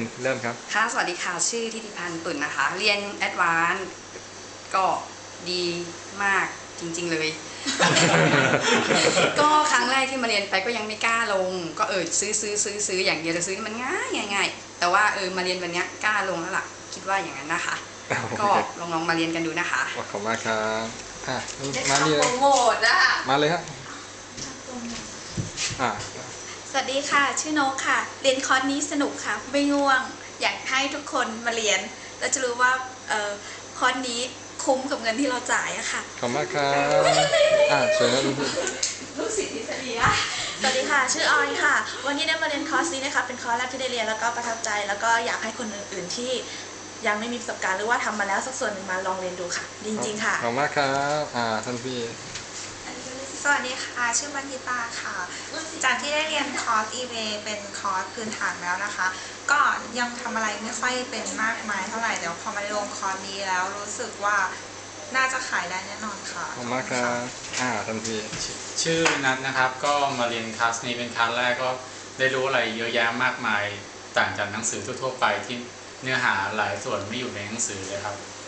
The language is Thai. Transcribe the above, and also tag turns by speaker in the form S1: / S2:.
S1: เริ่มครับ
S2: ค่ะสวัสดีค่ะชื่อทิติพันธ์ตุ่นนะคะเรียนแอดวานซ์ก็ดีมากจริงๆเลย ก็ครั้งแรกที่มาเรียนไปก็ยังไม่กล้าลงก็ซื้ออย่างเดียวจะซื้อนี่มันง่ายแต่ว่ามาเรียนวันนี้กล้าลงแล้วล่ะคิดว่าอย่างนั้นนะคะก็ลองมาเรียนกันดูนะคะ
S1: ขอบคุณมากครับ
S3: มา
S1: นี่เลย
S3: โปรโมทอะ
S1: มาเลยครับ
S3: สวัสดีค่ะชื่อนกค่ะเรียนคอร์สนี้สนุกค่ะไม่ง่วงอยากให้ทุกคนมาเรียนแล้วจะรู้ว่าคอร์สนี้คุ้มกับเงินที่เราจ่ายอะค่ะ
S1: ขอบคุณมากครับสวยนะ
S3: ลูกศิษย์ทฤษฎีอะสวัสดีค่ะชื่อออยค่ะวันนี้ได้มาเรียนคอร์สนี้นะคะเป็นคอร์สแรกที่ได้เรียนแล้วก็ประทับใจแล้วก็อยากให้คนอื่นๆที่ยังไม่มีประสบการณ์หรือว่าทำมาแล้วสักส่วนหนึ่งมาลองเรียนดูค่ะจริงๆค่ะ
S1: ขอบคุณมากครับท่านพี่
S4: สวัสดีค่ะชื่อบันทิตาค่ะจากที่ได้เรียนคอร์ส eBay เป็นคอร์สพื้นฐานแล้วนะคะก็ยังทำอะไรไม่ค่อยเป็นมากมายเท่าไหร่เดี๋ยวพอมาลงคอร์สนี้แล้วรู้สึกว่าน่าจะขายได้แน่นอนค่ะ
S1: ขอบคุณมากครับท่านพี่
S5: ชื่อนัทนะครับก็มาเรียนคลาสนี้เป็นคลาสแรกก็ได้รู้อะไรเยอะแยะมากมายต่างจากหนังสือทั่วๆไปที่เนื้อหาหลายส่วนไม่อยู่ในหนังสือเลยครับ